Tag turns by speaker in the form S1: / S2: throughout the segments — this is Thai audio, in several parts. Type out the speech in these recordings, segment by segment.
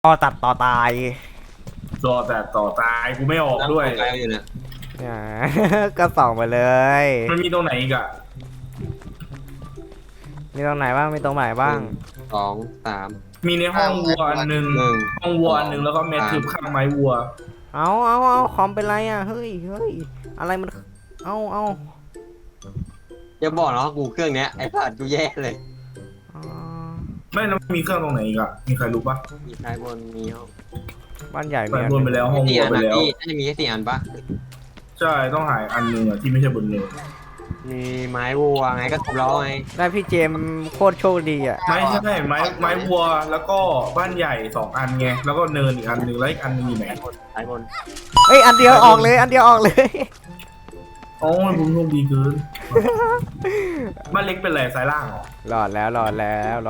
S1: ต่อตัดต่อตาย
S2: รอแต่ต่อตายกูไม่ออกด้วย
S3: ไกลอยู่เนี่ย
S1: อ่า ก็ส่องไปเลย
S2: มันมีตรงไหนอีกอะ
S1: มีตรงไหนบ้างมีตรงไหนบ้าง
S3: สองสาม
S2: มีในห้องวัวอันหนึ่ง
S3: หนึ่ง
S2: ห้องวัวอันหนึ่งแล้วก็เม็ดทึบข้างไม้วัว
S1: เอาคอมเป็นไรอ่ะเฮ้ยอะไรมันเอา
S3: อย่าบอกนะว่ากูเครื่องเนี้ยไอ้สัตว์กูแย่เลย
S1: อ๋อ
S2: ไม่แล้วมีเครื่องตรงไหนอีกอะมีใครรู้ปะ
S3: มีซ้ายบนมีห้อง
S1: บ้านใหญ่
S2: ไป
S1: มีอัน
S2: บนไปแล้วห้อง
S3: สี่
S2: วัว
S3: อัน
S2: ไป
S3: นะ
S2: แล้ว
S3: พี่น่าจะมีแค่สี่อันปะ
S2: ใช่ต้องหายอันหนึ่งอะที่ไม่ใช่บนเนิน
S3: มีไม้วัวไงก็ครบแล้วไง
S1: ได้พี่เจมส์โคตรโชคดีอ่ะ
S2: ไม่ใช่ไม้วัวแล้วก็บ้านใหญ่สองอันไงแล้วก็เนินอีกอันหนึ่งแล้วอีกอันหนึงอยู่ไหน
S3: ซ้ายบน
S1: เฮ้ยอันเดียวออกเลยอันเดียวออกเลย
S2: โอ้ยผมโชคดีเกินบ้านเล็กเป็นไรสายล่างเหรอ
S1: รอดแล้ว
S3: ไหน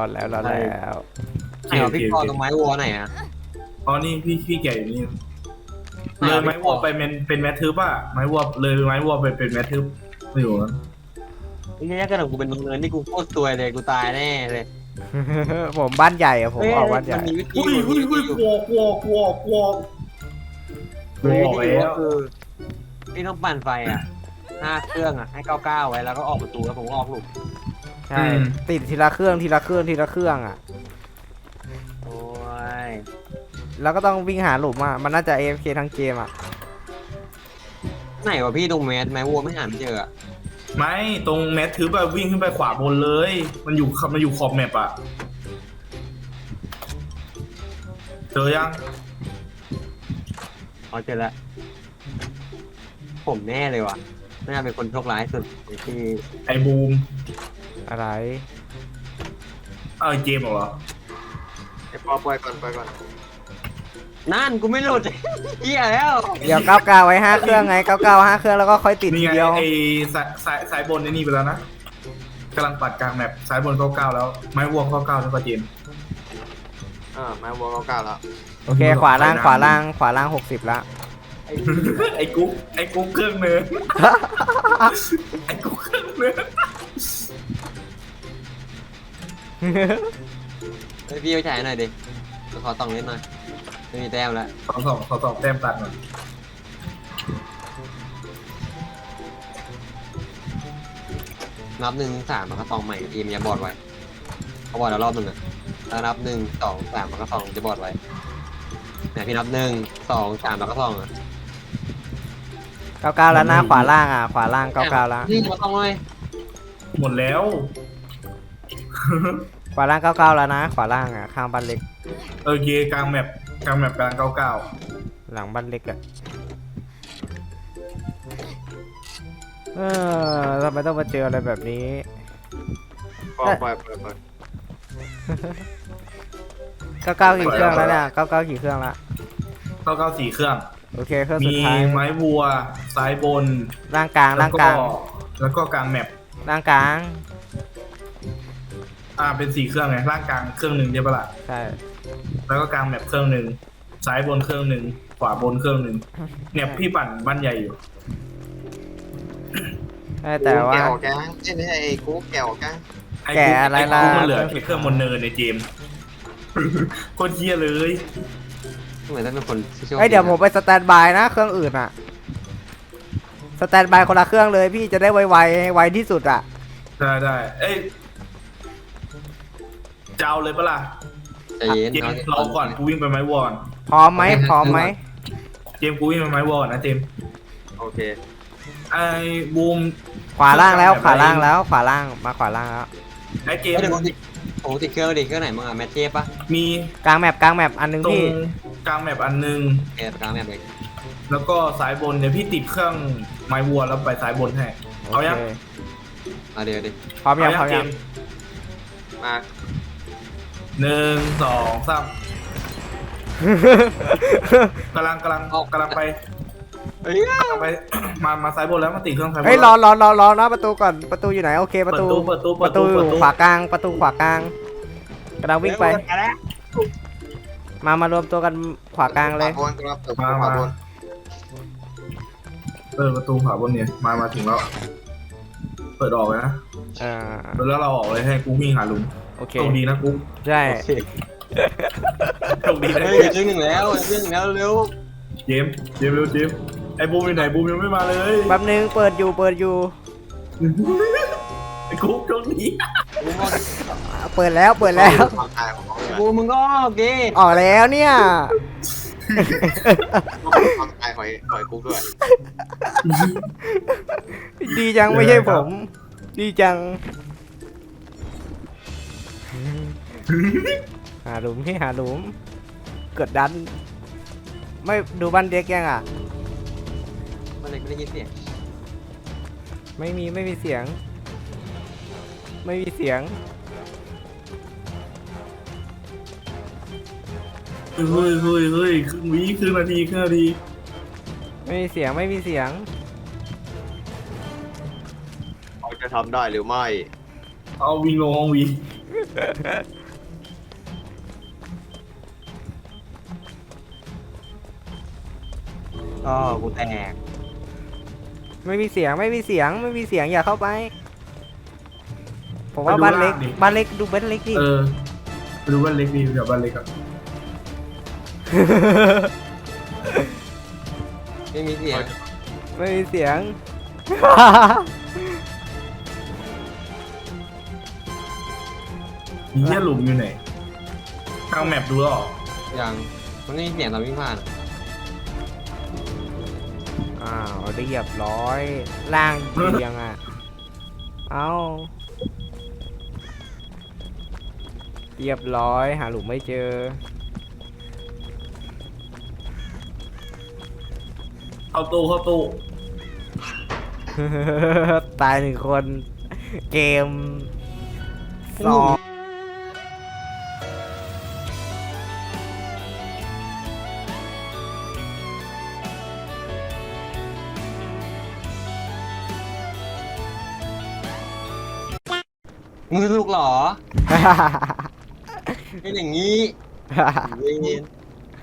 S3: วะพี่ปอตรงไม้วัวไหนอ่ะ
S2: อ๋อนี่พี่แก่อยู่นี่เลยไม้วัวไปเป็นแมททึบอะไม้วัวเลยไม้วัวไปเป็นแมททึบไม่อยู่นะ
S3: ไอ้เนี่ยก็ถึงกูเป็นเนินที่กูโคตรซวยเลยกูตายแน่เลย
S1: ผมบ้านใหญ่อะผมออกบ้านใหญ่
S3: มันมีวิธี
S2: อุ้ยกลัว
S3: มันมี
S2: บอก
S3: วิธี
S2: แล้ว
S3: ก็คือพี่ต้องปั่นไฟอ่ะ5เครื่องอ่ะให้99ไว้แล้วก็ออกประตูแล้วผมก็ออกหลุม
S1: ใช่ติดทีละเครื่องอ่ะ
S3: โอ้ย
S1: แล้วก็ต้องวิ่งหาหลุมอ่ะมันน่าจะ AFK ทั้งเกมอ่ะ
S3: ไหนวะพี่ตรงไม้วัวไม่หาไม่เจออ่ะ
S2: ไม่ตรงแมททึบอะวิ่งขึ้นไปขวาบนเลย มันอยู่ขอบแมปอะเจอยัง
S3: อ๋อเจอแล้วผมแน่เลยว่ะน่าเป็นคนโชคร้ายสุดที่
S2: ไอ้บูม
S1: อะไร
S2: เจมส์เหรอ
S3: ไอ้ปอปล่อยก่อนนั่นกูไม่หลุด เหี้ยแล้ว
S1: เดี๋ยว99ไว้5เครื่องไง99 5เครื่องแล้วก็ค่อยติด
S2: นี่
S1: ที
S2: ไง
S1: เดียว
S2: ไอ้สายบนไอ้นี่ไปแล้วนะกำลังปัดกลางแมปสายบน99แล้วไม้วัว99แล้วก็เจมส์
S3: ไม้วัว99แล้ว
S1: โอเคขวาล่าง60ละ
S2: ไอ้กุ๊กเครื่องเนื้อไอ้กุ๊กเครื่องเนื้อ
S3: เฮ้ยพี่ไปฉายหน่อยดิขอต้องเล่นหน่อยไม่มีแต้มแล้ว
S2: ขอสอบแต้มตัดหน่อย
S3: นับ1 3มันก็ตองใหม่ทีมอย่าบอดไว้เขาบอดแล้วรอบหนึ่งอ่ะถ้านับ1 2 3มันก็2จะบอดไว้เนี่ยพี่นับ1 2 3มันก็2อ่ะ
S1: 99แล้วนะขวาล่างขวาล่าง99แล้ว
S3: นี่มาต้องเลย
S2: หมดแล้ว
S1: ขวาล่าง99แล้วนะขวาล่างข้างบ้านเล็ก
S2: โอเคกลางแมปกลาง99
S1: หลังบ้านเล็กทำไมต้องมาเจออะไรแบบนี้
S3: ปล่อย
S1: 99กี่เครื่องแล้วเนี่ย99กี่เครื่องละ
S2: 4เครื่อง
S1: โอเคเครื่องสุ
S2: มี
S1: ดท้าย
S2: ไม้วัวซ้ายบน
S1: ล่างกลางล่างกลาง
S2: แล้วก็กลางแมป
S1: ล่างกลาง
S2: เป็น4เครื่องไงล่างกลางเครื่องหนึ่งใช่ปะล่ะ
S1: ใช่
S2: แล้วก็กลางแมปเครื่องหนึ่งซ้ายบนเครื่องหนึ่งขวาบนเครื่องหนึ่งเนี่ยพี่ปั่นบ้านใหญ่อยู่
S1: แต่ว่า
S4: แกออกแกงเอ้ยไม่ใช่ไอ้กูแกออกแกง
S1: แกะอะไรล่ะ
S2: ไอ้กุ๊กมันเหลือแค่เครื่องบนเนินในเจมส์ โคตรเฮี้ยเลย
S3: เหมือนจะเป็นคนที่โชค
S1: เดี๋ยวผมไปสแตนบายนะเครื่องอื่นสแตนบายคนละเครื่องเลยพี่จะได้ไวที่สุดอ่ะ
S2: ได้เอ้ยจะเอาเลยปะล่ะ
S3: ใจเย็น
S2: เจมส์รอก่อนกูวิ่งไปไม้วอล
S1: พร้อมไหม
S2: เจมส์กูวิ่งไปไม้วอลนะเจมส์
S3: โอเค
S2: ไอ้บูม
S1: ขวาล่างแล้วขวาล่างแล้วไอ้เจม
S2: ไอ้เจม
S3: เดี๋ยว
S2: ส์
S3: โอ้ติดเครื่องดิเครื่องไหนมึงอ่ะแมทเทปปะ
S2: มี
S1: กลางแมปอันนึง
S2: ตรง
S1: พี่
S2: กลางแมปอันหนึง
S3: เออกลางแมทเลย
S2: แล้วก็สายบนเนี่ยพี่ติดเครื่องไม้วัวแล้วไปสายบนให้ เอายัง
S3: เดี๋ยวดิ
S1: พร้อมยัง
S2: เจมส์
S4: มา
S2: 1 2 3กำลังไป
S3: เฮ้ย
S2: ไป มาสายบนแล้วมาติดเครื่องสายบน
S1: เฮ้ยรอนะประตูก่อนประตูอยู่ไหนโอเคประตูขวากลางประตูขวากลางกำลังวิ่งไปมารวมตัวกันขวากลางเลย
S4: ขวาบนครับเปิดขวาบน
S2: ประตูขวาบนเนี่ยมาถึงแล้ว เปิดออกเลยนะแล้วเราออกเลยให้กูวิ่งหาลุง
S1: โอเค
S2: โชคดีนะกู
S1: ใช่
S3: โอเค
S2: โชคดีนะ
S3: เฮ้ยครึ่งหนึ่งแล้วครึ่งหนึ่งแล้วเร็ว
S2: เจมส์เร็วเจมส์ไอ้บูมอยู่ไหนบูมยังไม่มาเลย
S1: แป๊บนึงเปิดอยู่
S2: ไอ้กุ๊กโชคดี
S3: กูบอก
S1: เปิดแล้ว
S4: ความตายของเขาเลย
S3: กูมึงก็โอเค
S1: ออกแล้วเนี่ย
S4: ความตายหอยกุ๊กด้วย
S1: ดีจังไม่ใช่ผม ดีจัง หาหลุมที่หาหลุมกดดัน ไม่ดูบ้านเด็กยังอ่ะ
S3: มันเลยไม่ได้ยินเสียง
S1: ไม่มีเสียง ไม่มีเสียง
S2: เฮ้ยครึ่งนาที
S1: ไม่มีเสียง
S4: เขาจะทำได้หรือไม่
S2: เอาวิ่งลงห้องวี
S3: ก็กูแตก
S1: ไม่มีเสียงอย่าเข้าไป ผมว่าบ้านเล็กดูบ้านเล็กดิ
S2: ไปดูบ้านเล็กดีเดี๋ยวบ้านเล็กครับ
S3: ไม่มีเสียง
S1: ไม่มีเสียง
S2: มีแค่หลุมอยู่ไหนทางแมปดูหรอ
S3: ยังมันไม่มีเสียงตอนวิ่งผ่านอะ
S1: อ้าวเรียบร้อยล่างเรียงอ่ะ เอาเรียบร้อยหาหลุมไม่เจอ
S2: เข้าตู้
S1: ตายหนึ่งคน เกมสอง
S3: มึงลูกเหรอเป็นอย่างนี้เย็น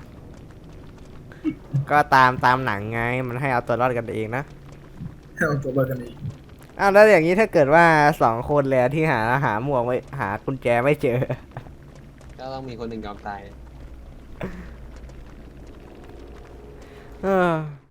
S1: ก็ตามหนังไงมันให้เอาตัวรอดกันเองนะ
S2: เอาตัวบ้านกันอีก
S1: อ้าวแล้วอย่างนี้ถ้าเกิดว่าสองคนแล้วที่หาหมวกไม่หากุญแจไม่เจอ
S3: ก็ต้องมีคนหนึ่งยอมตาย
S1: เออ